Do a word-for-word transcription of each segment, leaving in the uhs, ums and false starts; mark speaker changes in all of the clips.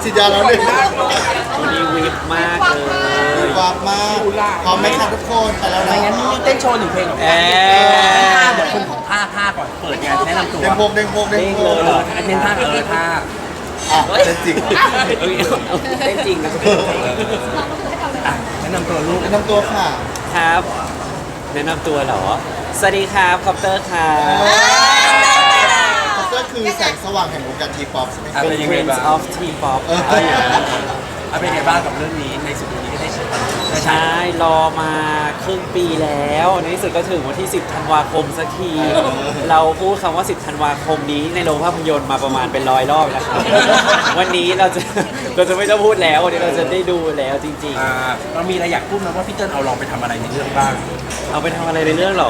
Speaker 1: ฉีดยาแล้วหนึ่ง
Speaker 2: วันนี้วิบมากเลย
Speaker 1: วาบมากพร้อมไหมคะทุกคนไปแล้ว
Speaker 3: ไม่
Speaker 1: นะ
Speaker 3: งั้นนี่เต้นโชว์หนึ่งเพลงกับ
Speaker 2: เอ๊
Speaker 3: ท่าเดี๋ยวคนของท่าท่าก่อนเปิดงานแนะนำตัว
Speaker 1: เด้งพงเด้งพงเด้งพง
Speaker 3: เอออันนี้ท่าเออท่า
Speaker 1: อ่ะเป็นจริงเหรอ
Speaker 2: ได้จริงนะ
Speaker 3: อ่ะแนะนำตัวลูก
Speaker 1: แนะนำตัวค่ะ
Speaker 2: ครับแนะนำตัวเหรอสวัสดีครับคอปเตอร์ครับ
Speaker 1: ก็คือแสงสว่างแห่งวงการทีป๊อปใช่ไหม
Speaker 3: อ่ะ
Speaker 2: เป็น
Speaker 3: เป็นยังไง
Speaker 2: Prince
Speaker 3: บ้าง
Speaker 2: of T-pop
Speaker 1: เออ
Speaker 3: อ่ะเป็นยังไงบ้างกับเรื่องนี้ในสุดนี้ก็ได้ใช้ได้ใช้
Speaker 2: ใช่รอมาครึ่งปีแล้วในที่สุดก็ถึงวันที่ สิบ ธันวาคมสักที เราพูดคำว่า สิบ ธันวาคมนี้ในโรงภาพยนตร์มาประมาณเป็นร้อยรอบแล้วครับ วันนี้เราจะเราจะไม่ต้องพูดแล้ววันนี้เราจะได้ดูแล้วจริง
Speaker 3: อ่าเรามีอะไรอยากพูดไหมว่าพี่เติ้ลเอาลองไปทำอะไรในเรื่องบ้าง
Speaker 2: ๆ เอาไปทำอะไรในเรื่องเหรอ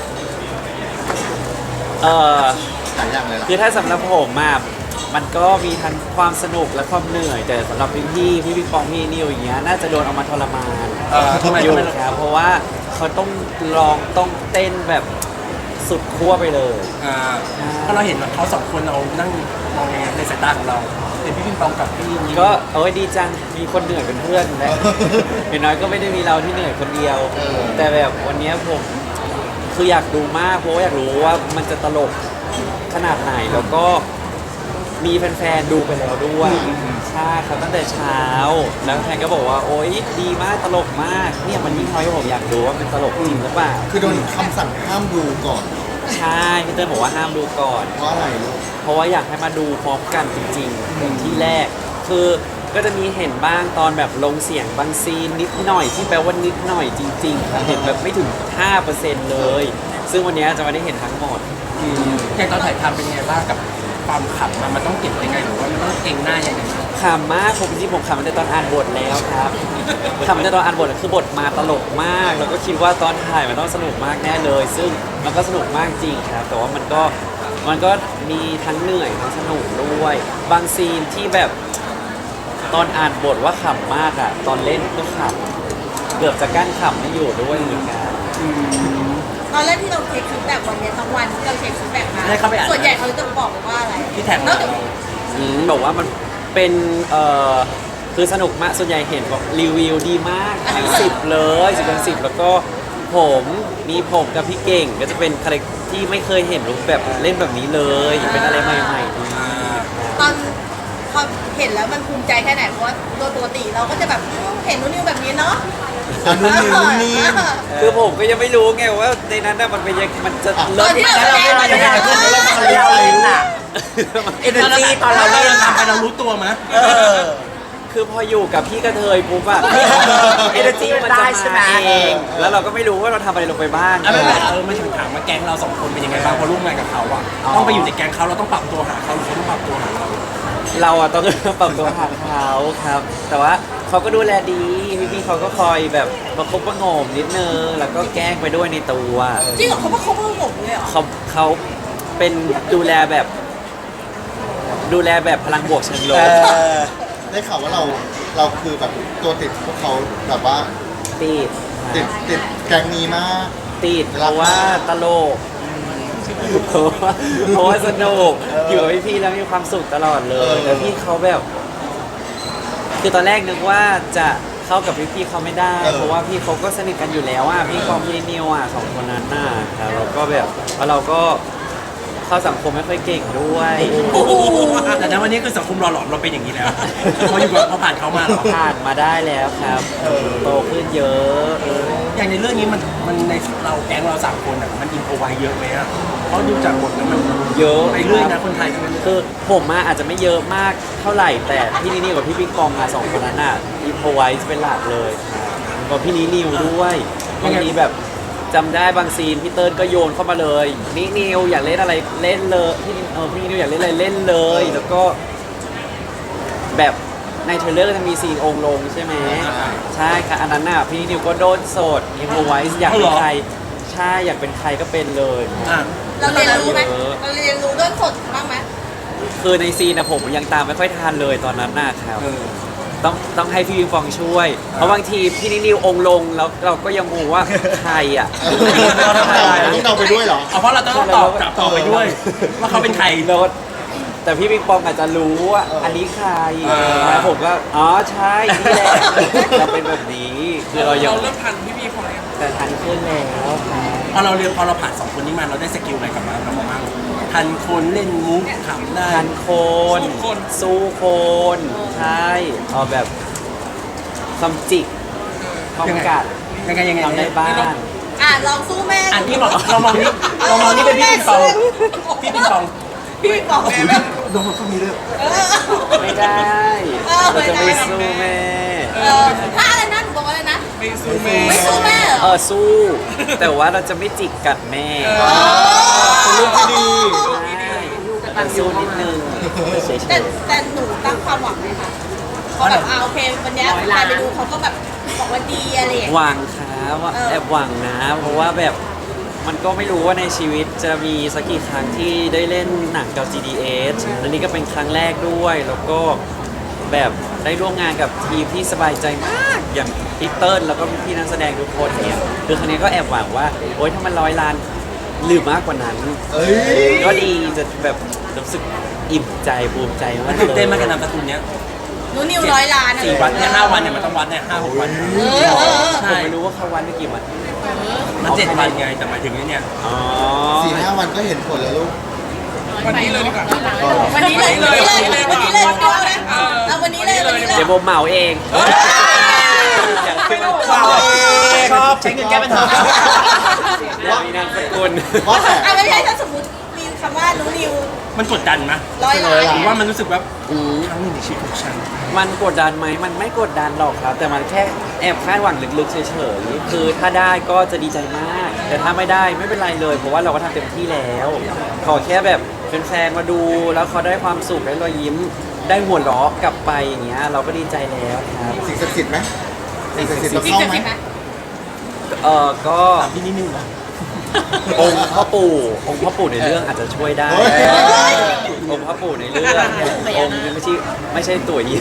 Speaker 2: เออ
Speaker 1: หลายอย่างเลยล่ะ
Speaker 2: คือถ้าสำหรับผมอะมันก็มีทั้งความสนุกและความเหนื่อย แต่สำหรับพี่พี่พี่พี่ปองพี่นิวอย่างเงี้ยน่าจะโดนเอามาทรมาน
Speaker 3: เออทำไม
Speaker 2: อยู่
Speaker 3: ทำไม
Speaker 2: ครับเพราะว่าเขาต้องลองต้องเต้นแบบสุดขั้วไปเลย
Speaker 3: อ่าเพราะเราเห็นว่าเขาสองคนเรานั่งมองในสายตาของเราเป็นพี่ปิงปองกับพี่ยิ้ม
Speaker 2: ก็โอ้ยดีจังมีคนเหนื่อยเป็นเพื่อนและอย่างน้อยก็ไม่ได้มีเราที่เหนื่อยคนเดียว แต่แบบวันเนี้ยผมคืออยากดูมากเพราะว่าอยากรู้ว่ามันจะตลกขนาดไหนแล้วก็มีแฟนๆดูไปแล้วด้วยใช่ครับตั้งแต่เช้าแล้วแฟนก็บอกว่าโอ๊ยดีมากตลกมากเนี่ยมันยิ่งทำให้ผมอยากดูว่ามันตลกจริงหรือเปล่า
Speaker 1: คือโดนคำสั่งห้ามดูก่อน
Speaker 2: ใช่พี่เต้ยบอกว่าห้ามดูก่อน
Speaker 1: เพราะอะไรลูก
Speaker 2: เพราะว่าอยากให้มาดูพร้อมกันจริงๆเป็นที่แรก คือก็จะมีเห็นบ้างตอนแบบลงเสียงบางซีนนิดหน่อยที่แปลว่านิดหน่อยจริงๆครับเห็นแบบไม่ถึง ห้าเปอร์เซ็นต์ เลย ซึ่งวันนี้จะไม่ได้เห็นทั้งหมด
Speaker 3: อย่างตอนถ่ายทำเป็นยังไงบ้างกับความขำมันมันต้องเก็บยังไงหรือว่ามันต้องเก่งหน้ายังไง
Speaker 2: ขำมากผมจริงๆผมขำตั้งแต่ตอนอ่านบทแล้วครับขำตั้งแต่ตอนอ่านบทคือบทมาตลกมาก แล้วก็คิดว่าตอนถ่ายมันต้องสนุกมากแน่เลย ซึ่งมันก็สนุกมากจริงครับ แต่ว่ามันก็มันก็มีทั้งเหนื่อยทั้งสนุกด้วย บางซีนที่แบบตอนอ่านบทว่าขำมากอะตอนเล่นก็ขำเกือบจะกั้นขำไม่อยู่ด้วยเหมือนกัน
Speaker 4: ตอนแรกที่เราเช็คฟีดแบ็กวันเนี้ยทั้งวันที่เราเช็คฟีดแบ็กมา
Speaker 3: ได้เข้าไปอ่าน
Speaker 4: ส่วนใหญ่เขาจะบอกว่าอะไร
Speaker 3: ที่แท็ก
Speaker 4: น
Speaker 3: มา
Speaker 4: อกจาก
Speaker 2: อืมบอกว่ามันเป็นเอ่อคือสนุกมากส่วนใหญ่เห็นบอกรีวิวดีมากให้สิบเลยสิบเป็นสิบแล้วก็ผมมีผมกับพี่เก่งก็จะเป็นคาแรคที่ไม่เคยเห็นรูปแบบเล่นแบบนี้เลยเป็นอะไรใหม่ๆดี
Speaker 4: ตอนพอเห็นแล้วมันภูมิใจแค่ไหนเพราะว่าโดยปกติเราก็จะแบบเห็นนุ่นนิวแบบนี้เนาะ
Speaker 1: อันนู้นนี่นู้นนี่
Speaker 2: คือผมก็ยังไม่รู้ไงว่าในนั้นน่ะมันเป็นยังมันจะ
Speaker 4: ต
Speaker 2: เลิ
Speaker 4: อน
Speaker 2: ศ
Speaker 4: ที่เรา
Speaker 3: แล้วเรา
Speaker 4: แสด
Speaker 3: เล่
Speaker 4: ง
Speaker 3: น
Speaker 4: มา
Speaker 3: มา
Speaker 4: เนี่
Speaker 3: ยัง
Speaker 4: ย
Speaker 3: ไงเราเล่นเราเอเนอร์จีตอนเราเล่นทำไปเรารู้ตัวมั้ย
Speaker 2: คือพออยู่กับพี่กระเทยปุ๊บอะเอเนอร์จีมันจะมาเองแล้วเราก็ไม่รู้ว่าเราทำอะไรลงไปบ้าง
Speaker 3: อ่ะไม่เป็นไรเออมาถึงถามว่าแก๊งเราสองคนเป็นยังไงบ้างพอร่วมงานกับเขาอ่ะต้องไปอยู่ในแก๊งเขาเราต้องปรับตัวหาเขาหรือเขาต้องปรับตัวหาเรา
Speaker 2: เราอะต้องปรับตัวหาเขาครับ แต่ว่าเขาก็ดูแลดีพี่ๆเขาก็คอยแบบประคบประหงมนิดนึงแล้วก็แกล้งไปด้วยในตัว
Speaker 4: จริงเหรอเขาว่าเขาเพิ่งผมเลยเหรอ
Speaker 2: เขาเขาเป็นดูแลแบบ ดูแลแบบพลังบวกเชิงล
Speaker 1: เอบ อได้ข่าวว่าเราเราคือแบบตัวติดพวกเขาแบบว่า
Speaker 2: ติด
Speaker 1: ติดติดแก๊งนี้มาก
Speaker 2: ติดเพราะว่าตลกเพราะว่าเพราะว่าสนุกอยู่กับพี่ๆแล้วมีความสุขตลอดเลยแล้วพี่เขาแบบ คือตอนแรกนึกว่าจะเข้ากับพี่ๆเขาไม่ได้ เพราะว่าพี่เขาก็สนิทกันอยู่แล้วอ่ะพี่กองพี่นิวอ่ะสองคนนั้นน่ะครับแล้วก็แบบแล้วเราก็เข้าสังคมไม่ค่อยเก่งด้วย
Speaker 3: แต่ในวันนี้คือสังคมหล่อหลอมเราเป็นอย่างนี้แล้วพออยู่กับพอผ่านเขามาเรา
Speaker 2: ผ่านมาได้แล้วครับโตขึ้นเยอะเออ
Speaker 3: อย่างในเรื่องนี้มันมันในเราแก๊งเราสามคนอ่ะมันอินโฟไวเยอะไหมอ่ะเพราะดูจากบทแล้วมัน
Speaker 2: เยอะ
Speaker 3: ไปเรื่อยนะคนไทยทั้งนั้น
Speaker 2: คือผมอะอาจจะไม่เยอะมากเท่าไหร่แต่พี่นิวกับพี่ปิงปองอะสองคนนั้นอะอินโฟไวส์เป็นหลักเลยครับกับพี่นิวด้วยบางทีแบบจำได้บางซีนพี่เติ้ลก็โยนเข้ามาเลยนี่นิวอยากเล่นอะไรเล่นเลยพี่เออพี่นิวอยากเล่นอะไรเล่นเลย แล้วก็ แบบในเทรลเลอร์จะมีซีนองค์ลงใช่ไหมใช่ค่ะอันนั้นน่ะพี่นิวก็โดนโสดอินโฟไวส์อยากเป็นใครใช่อยากเป็นใครก็เป็นเลย
Speaker 3: อ่ะ
Speaker 4: เราเรียนรู้ไหมเราเรียนรู้ด้วยสดบ้างไหม
Speaker 2: คือในซีนนะผมยังตามไม่ค่อยทันเลยตอนนั้นน่ะครับ
Speaker 3: เออ
Speaker 2: ต้องต้องให้พี่วิงฟองช่วย เพราะบางทีพี่นิวองค์ลงแล้วเราก็ยังงงว่าใครอ่ะ
Speaker 1: เราต้องเดาเราต้องเดาไปด้วยเหรอ
Speaker 3: เอาเพราะเราต้องตอบกลับต่อไปด้วยว่าเขาเป็นใคร
Speaker 2: เราก็แต่พี่ปิงปองอาจจะรู้ว่า
Speaker 1: เอออั
Speaker 2: อันนี้ใคร
Speaker 3: เออ
Speaker 2: แล้วผมก็อ๋อใช่นี่แหละเราเป็นแบบนี้คือเรายัง
Speaker 5: เราเริ่มทันพี่พี่พอแล้ว
Speaker 2: แต่ทันขึ้นแล้วครับ
Speaker 3: พอเราเรียนพอเราผ่านสองคนนี้มาเราได้สกิลอะไรกลับมาเราบ้างทันคนเล่นมุกขำได้
Speaker 2: ทันโคน สู้โคน ใช่เอาแบบคำจิกคำกัด
Speaker 3: ยังไงยังไง
Speaker 2: ทำได้บ้าง
Speaker 4: อ่ะลองสู้แม่
Speaker 3: อันที่บอกเรามองนี้เรามองนี้เป็นพี่ปิงปองพี่ปิงปอง
Speaker 4: พี่บอกแม่แม่
Speaker 1: โดนเขามีเรื่อง
Speaker 4: เออ
Speaker 2: ไม่ได้
Speaker 4: เออ
Speaker 2: เราจะ
Speaker 4: ไม่
Speaker 2: ไม่
Speaker 4: ได้
Speaker 2: สู้แม่
Speaker 4: เออถ้าอะไรนะหนูบอกว่าอะไรนะ
Speaker 5: ไม่สู้แม่
Speaker 4: ไม่สู้แม่เหรอ
Speaker 2: เออสู้ แต่ว่าเราจะไม่จิกกัดแม่
Speaker 1: เป็นเรื่องที่ดี
Speaker 2: ใช่แต่สู้นิดนึงเฉย
Speaker 4: แต่แต่หนูตั้งความหวังเลยค่ะเขาแบบอ่าโอเควันเนี้ยใครไปดูเขาก็แบบบอกว่าดีอะไรอย่าง
Speaker 2: ๆ
Speaker 4: เงี้ย
Speaker 2: หวังครับว่า
Speaker 4: เออ
Speaker 2: แอบหวังนะ เพราะว่าแบบมันก็ไม่รู้ว่าในชีวิตจะมีสักกี่ครั้งที่ได้เล่นหนังกับ จี ดี เอส อันนี้ก็เป็นครั้งแรกด้วย แล้วก็แบบได้ร่วมงานกับทีมที่สบายใจมาก อย่างพี่เติ้ลแล้วก็พี่นักแสดงทุกคนเนี่ยคือครั้งนี้ก็แอบหวังว่า โอ๊ยถ้ามันร้อยล้านหรือมากกว่านั้น
Speaker 1: เอ้ย
Speaker 2: ก็ดีจะแบบรู้สึกอิ่มใจภูมิใจมาก
Speaker 3: ตื่นเต้นมาก
Speaker 2: เล
Speaker 3: กับ
Speaker 2: ย
Speaker 3: นามสกุลเนี้ย
Speaker 4: หนูนิวร้อยล้านอะ
Speaker 3: สี่วันเนี่ยห้าวันเนี่ยมันต้องวัดเนี่ยห้าหกวัน
Speaker 4: เออเออเออ
Speaker 2: ผมไม่รู้ว่าเขาวันไม่กี่วัน
Speaker 3: มันเจ็ดวันไงแต่หมายถึงเนี่ย
Speaker 2: อ๋อ
Speaker 1: สี่ห้าวันก็เห็นผลแล้วลูก
Speaker 5: วันนี้เลยดีกว่า
Speaker 4: วันนี้เลยวันนี้เลยวันนี้เลยวันนี้เลยเอาวันนี้เลยวันนี้เลย
Speaker 2: เดี๋ยวโบเหมาเองอยากขึ้นมา
Speaker 3: ชอบใช้เงินแก้ปัญหา
Speaker 2: มีนามสกุล
Speaker 1: ว่าแต่
Speaker 4: อ่ะไม่ใช่ถ้าสมมติมีคำว่าหนูนิว
Speaker 3: มันกดดันไหม
Speaker 4: ร้อยล้าน
Speaker 3: ผมว่ามันรู้สึกว่าครั้งหนึ่งในชีวิตของฉัน
Speaker 2: มันกดดันไหมมันไม่กดดันหรอกครับ แต่มันแค่แอบคาดหวังลึกๆเฉยๆคือถ้าได้ก็จะดีใจมาก แต่ถ้าไม่ได้ไม่เป็นไรเลย เพราะว่าเราก็ทำเต็มที่แล้ว ขอแค่แบบแฟนๆมาดูแล้วเขาได้ความสุขได้รอยยิ้ม ได้หัวเราะกลับไปอย่างเงี้ยเราก็ดีใจแล้วครับ
Speaker 1: สิ่งศักดิ์สิทธิ์ไหมสิ่งศักดิ์สิทธิ์เรา
Speaker 4: จริง
Speaker 1: เข้า
Speaker 4: จะ
Speaker 1: ไหม
Speaker 4: สิไหม
Speaker 2: เออก็
Speaker 3: ถามพี่นิดนึงเหรอ
Speaker 2: องค์พ่อปู่องค์พ่อปู่ในเรื่องอาจจะช่วยได้
Speaker 1: เฮ้ย
Speaker 2: องค์พ่อปู่ในเรื่ององค์นี้ไม่ใช่ไม่ใช่ตัวยี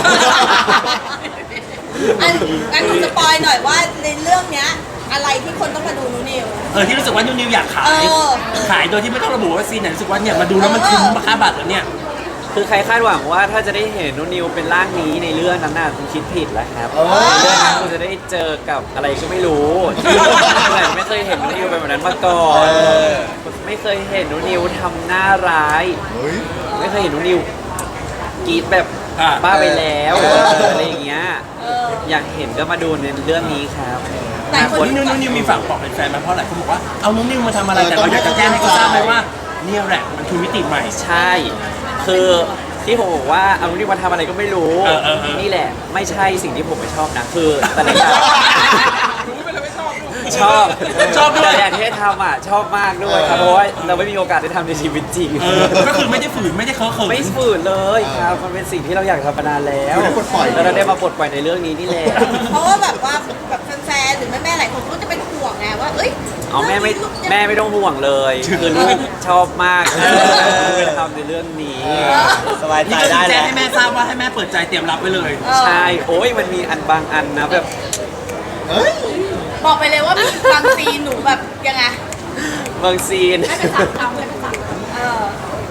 Speaker 4: อันอันหนูสปอยหน่อยว่าในเรื่องเนี้ยอะไรที่คนต้องมาดูหนูนิว
Speaker 3: เออที่รู้สึกว่านิวนิวอยากขาย
Speaker 4: เออ
Speaker 3: ขายโดยที่ไม่ต้องระบุว่าซีนไหนรู้สึกว่าเนี่ยมาดูแล้วมันคุ้มค่าบัตรแล้วเนี่ย
Speaker 2: คือใครคาดหวังว่าถ้าจะได้เห็นนุนิวเป็นร่างนี้ในเรื่องนั้นน่ะคุณคิดผิดแล้วครับ
Speaker 1: เออ
Speaker 2: ในเรื่องนั้นคุณจะได้เจอกับอะไรก็ไม่รู้แต่ไม่เคยเห็นนุนิวเป็นแบบนั้นมาก่อน
Speaker 1: เออ
Speaker 2: ไม่เคยเห็นนุนิวทำหน้าร้าย
Speaker 1: เฮ้ย
Speaker 2: ไม่เคยเห็นนุนิวกรีดแบบ
Speaker 3: อ่ะ
Speaker 2: บ้าไปแล้ว
Speaker 1: เออ
Speaker 2: อะไรอย่างเงี้ย
Speaker 4: เออ
Speaker 2: อยากเห็นก็มาดูในเรื่องนี้ครับ
Speaker 4: หลายคน
Speaker 3: นิวนิวนิวมีฝากบอกแฟนๆไหมเพราะหลายคนบอกว่าเอาน้องนิวมาทำอะไรแต่เราอยากจะแจ้งให้เขาทราบไหมว่าเนี่ยแหละมันคือมิติใหม่
Speaker 2: ใช่ คือที่ผมบอกว่าเอาที่มาทำอะไรก็ไม่รู้
Speaker 3: เออเออเออ
Speaker 2: นี่แหละไม่ใช่สิ่งที่ผมไม่ชอบนะ คือแต่ละอย่าง
Speaker 5: รู้ไปเลยไม่ชอบลูก
Speaker 2: ชอบ
Speaker 3: ชอบด้วย
Speaker 2: แต่อย่างที่ทำอ่ะชอบมากด้วยครับ เพราะว่าเราไม่มีโอกาสได้ทำในชีวิตจริง
Speaker 3: เออก็คือไม่ได้ฝืนไม่ได้เคอะเขิน
Speaker 2: ไม่ฝืนเลยครับ มันเป็นสิ่งที่เราอยากทำมานานแล้ว
Speaker 1: คือได้ปลดปล่อย
Speaker 2: แล้วเราได้มาปลดปล่อยในเรื่องนี้นี่แหละ
Speaker 4: เพราะว่าแบบว่าแบบแฟนๆหรือแม่ๆหลายคนก็จะเป็นห่วงไงว่าเอ้ย
Speaker 2: เอาแม่ไม่แม่ไม่ต้องห่วงเลย คือลูกชอบมากลูกไปทำในเรื่องนี้
Speaker 3: สบายใจได้แล้วให้แม่ทราบว่าให้แม่เปิดใจเตรียมรับไว้เลย
Speaker 4: เออ
Speaker 2: ใช่ โอ้ยมันมีอันบางอันนะแบบ
Speaker 1: เฮ้ย
Speaker 4: บอกไปเลยว่ามีบางซีนหนูแบบยังไง
Speaker 2: บางซีน
Speaker 4: ให้เป็นสามคำให้เป็นสามคำเออบ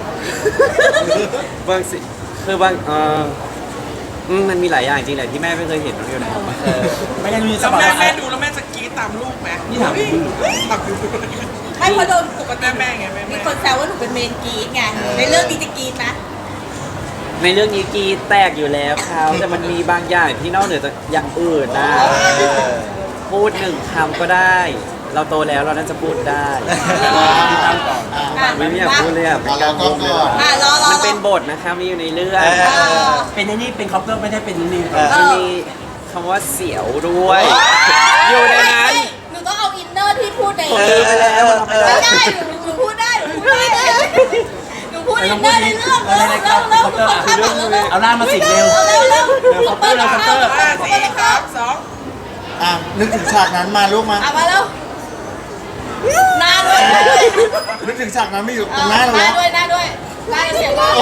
Speaker 2: างซีนคือบางเอออืมมันมีหลายอย่างจริงแหละที่แม่ไม่เคยเห็นน้องอยู่นะ
Speaker 3: ไม่งั้นมีส
Speaker 5: แล้ว
Speaker 3: บาย
Speaker 5: แม่
Speaker 3: ว่า
Speaker 5: แม่ดูแล้วแม่จะกรี๊ดตามลูกไหม
Speaker 3: นี่ถามคุณ
Speaker 5: ถามดู
Speaker 4: ไม่เพราะโดนปกติ
Speaker 5: แม่แม่ไงแม่
Speaker 4: มี
Speaker 5: แม่
Speaker 4: คนแซวว่าหนูเป็นเมนกรีดไงในเรื่องนี้จะกรีดนะ
Speaker 2: ในเรื่องนี้กรีดแตกอยู่แล้วครับแต่มันมีบางอย่างที่นอกเหนือจากอย่างอื่นนะพูดหนึ่งคำก็ได้ เราโตแล้วเราน่าจะพูดได้
Speaker 3: ติดตามก่อน
Speaker 4: อ่ะ
Speaker 2: ไม่อยากพูดเลยอ่ะเป็นการโกงเลย
Speaker 4: อ่ะรอรอ
Speaker 2: มัน
Speaker 4: ร
Speaker 2: เป็
Speaker 4: อน
Speaker 2: บทนะครับมีอยู่ในเรื่อง
Speaker 4: เออ
Speaker 3: เป็นไอ้นี่เป็นคอปเตอร์ไม่ได้เป็นนิว
Speaker 2: มันมีคำว่าเสียวด้วย อยู่ในนั้น
Speaker 4: หนูต้องเอาอินเนอร์ที่พูดใน
Speaker 2: ผมลืมไปแล้วทำไม่ได้
Speaker 4: ไม่ได้หนูหนูพูดได้หนูพูดได้หนูพูดอินเนอร์ในเรื่องเร็วเร็วเร็วเร็วเร็วเร็ว
Speaker 3: เอาล่ามาสิเร็ว
Speaker 4: เร็วเร็ว
Speaker 3: เร็วคอปเตอร์เร็วคอปเตอร์
Speaker 5: ห้าสี่สามสอง
Speaker 1: อ่ะ นึกถึงฉากนั้นมาลูกมา
Speaker 4: เอามาแล้วหน้าด้วยหน้าด้วย
Speaker 1: นึกถึงฉากนั้นไม่อยู่ตรงหน้าเรา
Speaker 4: หน้า
Speaker 1: แล้ว
Speaker 4: ด้วยหน้าด้วยหน้าเสียงว่า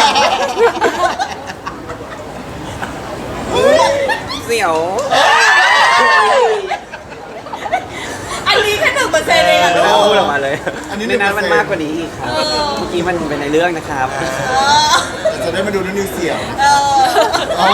Speaker 2: เสียว
Speaker 4: อันนี้แค่หนึ่งเปอร์เซ็นต์เองอะลู
Speaker 2: แล้ว
Speaker 4: ก
Speaker 2: พูดออกมาเลย
Speaker 1: อันนี้
Speaker 2: ในนั้นมันมากกว่านี้อีกครับ
Speaker 4: เออ
Speaker 2: เมื่อกี้มันเป็นในเรื่องนะครับ
Speaker 4: เออ
Speaker 1: แต่จะได้มาดูนุ่นนิวเสี่ยว
Speaker 4: เออ
Speaker 1: อ๋อ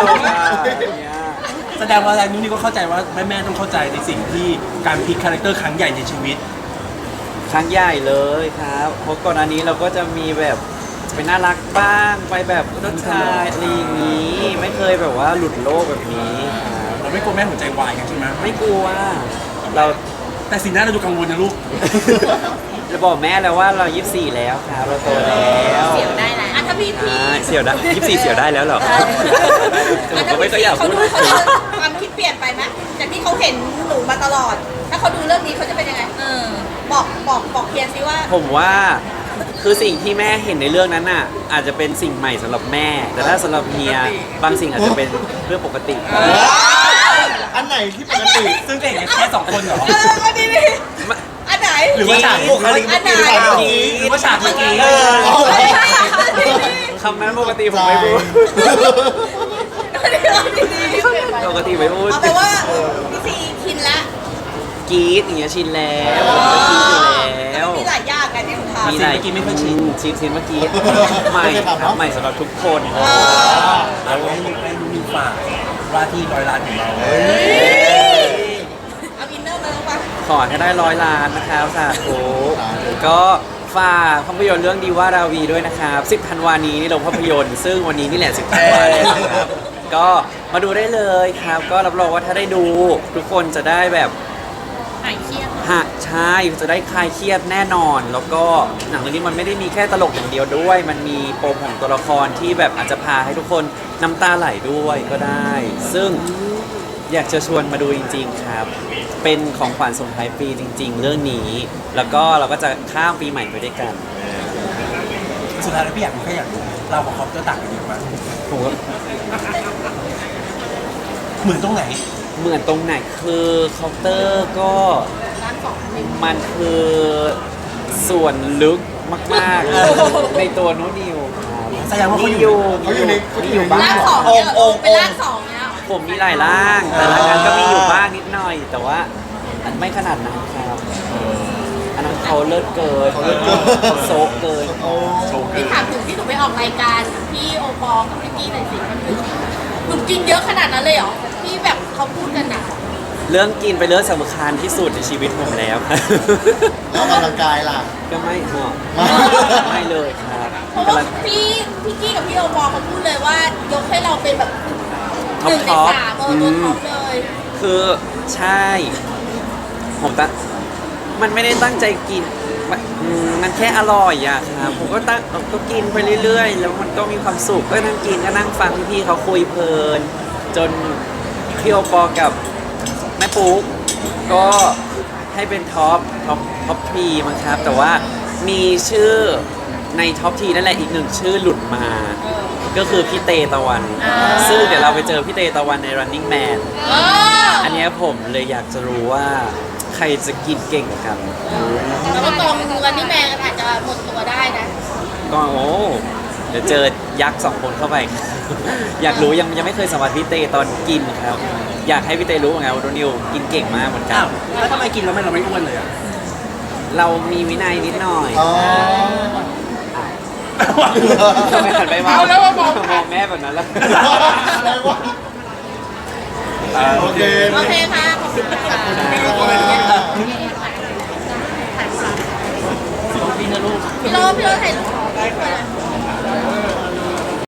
Speaker 3: แสดงว่าอะไรนู้นนี่ก็เข้าใจว่าแม่แม่ๆต้องเข้าใจในสิ่งที่การพลิกคาแรคเตอร์ครั้งใหญ่ในชีวิต
Speaker 2: ครั้งใหญ่เลยครับเพราะก่อนอันนี้เราก็จะมีแบบไปน่ารักบ้างไปแบบรสชาติอะไรอย่างนี้ ไม่เคยแบบว่าหลุดโลกแบบนี้ครับ
Speaker 3: เราไม่กลัวแม่หัวใจวายกันใช่ไหม
Speaker 2: ไม่กลัวเรา
Speaker 3: แต่สีหน้าเราดูกังวลนะลูก
Speaker 2: จะบอกแม่แล้วว่าเรายี่สิบสี่แล้วครับเราโตแล้ว
Speaker 4: เสียวได้แล้วอ่ะถ้าพี่พี่
Speaker 2: ใช่เสี่ยวได้ยี่สิบสี่เสี่ยวได้แล้วเหรอผมก็ไม่ก็อยาก
Speaker 4: เขา
Speaker 2: พูด
Speaker 4: ดูเขาจะความคิดเปลี่ยนไปไหมจากที่เขาเห็นหนูมาตลอด ถ้าเขาดูเรื่องนี้เขาจะเป็นยังไงเออบอกบอกบอกเพียนซิว่า
Speaker 2: ผมว่าคือสิ่งที่แม่เห็นในเรื่องนั้นน่ะอาจจะเป็นสิ่งใหม่สำหรับแม่ แต่ถ้าสำหรับเฮียบางสิ่งอาจจะเป็นเรื่องปกติ
Speaker 1: อันไหนที่ปกติ
Speaker 3: ซึ่งก็เห็นกันแค่สองคนเหรอ
Speaker 4: เอออันนี้นี่อันไหน
Speaker 3: หรือว่าฉาก
Speaker 1: บุคลิก
Speaker 4: อันไหน
Speaker 3: หรือว่าฉากเมื่อกี้
Speaker 1: เออ
Speaker 4: ไม่ใช่ค่ะอันนี้
Speaker 2: คำนั้นปกติผมไม่พูด
Speaker 4: อันนี้อันนี้
Speaker 2: ปกติไม่พูด
Speaker 4: เอาไปนว่าพี่ซีชินละ
Speaker 2: กรีดอย่างเงี้ยชินแล้วผมก็กรีดอยู่แล้ว
Speaker 4: มีหลายอย่างกันที่หนูทำ
Speaker 2: มีอะไรกินไม่ค่อยชินชินชินเมื่อกี้ใหม่ครับใหม่สำหรับทุกคน
Speaker 4: เออ
Speaker 3: แล้วให้ให้ลูกมีฝากว่าที่ร้อยล้านของเรา
Speaker 4: เอาอินเนอร์มาลงไป
Speaker 2: ขอให้ได้ร้อยล้านนะครับสาธุก็ฝากภาพยนตร์เรื่องดีว่าราวีด้วยนะครับสิบธันวานี้นี่ลงภาพยนตร์ซึ่งวันนี้นี่แหละสิบธันวาเลยนะครับก็มาดูได้เลยครับ ก็รับรองว่าถ้าได้ดูทุกคนจะได้แบบ
Speaker 4: หายเครียด
Speaker 2: ฮะใช่จะได้คลายเครียดแน่นอน แล้วก็หนังเรื่องนี้มันไม่ได้มีแค่ตลกอย่างเดียวด้วย มันมีปมของตัวละครที่แบบอาจจะพาให้ทุกคนน้ำตาไหลด้วยก็ได้ ซึ่งอยากจะชวนมาดูจริง ๆครับ เป็นของขวัญส่งท้ายปีจริง ๆ เรื่องนี้ แล้วก็เราก็จะข้ามปีใหม่ไปด้วยกัน
Speaker 3: สุดท้ายแล้วพี่อยากรู้แค่อยากรู้เรากับคอปเตอร์ต่างกันเยอะมาก
Speaker 2: ผมก็
Speaker 3: เหมือนตรงไหน
Speaker 2: เหมือนตรงไหนคือเคาน์เตอร์ก็มันคือส่วนลึกมากๆ ในตัวโนตนิวครับ
Speaker 3: แสดงว่าเขาอยู่
Speaker 2: อยู่
Speaker 1: เขาอยู่ใน
Speaker 2: มีอยู่บ้าง
Speaker 4: ร่างสองเนี่ยเหรอเป็นร่างสองเนี่ย
Speaker 2: ผมมีหลายร่าง แต่ละงานก็มีอยู่บ้างนิดหน่อย แต่ว่าไม่ขนาดนั้นครับ อันนั้นเขาเลิศเกิน
Speaker 1: เขาเลิศเกิน
Speaker 2: เขาโซกเกิน
Speaker 1: โอ้
Speaker 4: พี่ถามถึงที่หนูไปออกรายการพี่โอปอลกับพี่กี้หน่อยสิมันหนูกินเยอะขนาดนั้นเลยเหรอที่แบบเขาพูดกันน่ะ
Speaker 2: เรื่องกินเป็นเรื่องสำคัญที่สุดในชีวิตผมแล้วครับ
Speaker 1: แล้วออกกำลังกายล่ะ
Speaker 2: ก็ไม่เหมาะ
Speaker 1: ไม่
Speaker 2: ไม่เลยครับ
Speaker 4: เพราะว่าพี่พี่กี้กับพี่โอปอลเขาพูดเลยว่ายกให้เราเป็นแบบห
Speaker 2: ท็อป
Speaker 4: นึ่งใน
Speaker 2: ท็อป
Speaker 4: สามเออตัวท็อปเลย
Speaker 2: คือใช่ ผมตั้งมันไม่ได้ตั้งใจกินมันอืมมันแค่อร่อยอะครับผมก็ตั้งก็กินไปเรื่อยๆ แล้วมันก็มีความสุขก็นั่งกินก็นั่งฟังพี่ๆเขาคุยเพลิน จนพี่โอปอกับแม่ปุ๊กก็ให้เป็นท็อปท็อปท็อปทีมั้งครับ แต่ว่ามีชื่อในท็อปทีนั่นแหละอีกหนึ่งชื่อหลุดมา ก็คือพี่เตตะวัน ซึ่งเดี๋ยวเราไปเจอพี่เตตะวันใน running man
Speaker 4: เออ
Speaker 2: อันเนี้ยผมเลยอยากจะรู้ว่าใครจะกินเก่งกว่ากัน
Speaker 4: แล้วก็กองรันนี่แมนอาจจะหมดตัวได้นะ
Speaker 2: ก็โอ้เดี๋ยวเจอยักษ์สองคนเข้าไป อยากรู้ยังยังไม่เคยสัมผัสพี่เตตอนกินครับ อยากให้พี่เตรู้ไงว่าโดนิวกินเก่งมากเหมือนกั
Speaker 3: อ้าน วแล้วทำไมกินแล้วไม่เราไม่อ้วนเลยอ่ะ
Speaker 2: เรามีวินัยนิดหน่อย
Speaker 1: อ๋อ
Speaker 2: ทำไมหันไปมอง
Speaker 5: เอาแล้วว่ามอง
Speaker 2: มองแม่แบบนั้นแล้ว
Speaker 1: อะไรวะโอเค
Speaker 4: โอเคค่ะ ขอบคุณค่ะ
Speaker 3: พี่นะลูก
Speaker 4: พี่โรพี่โรถ่ายรูป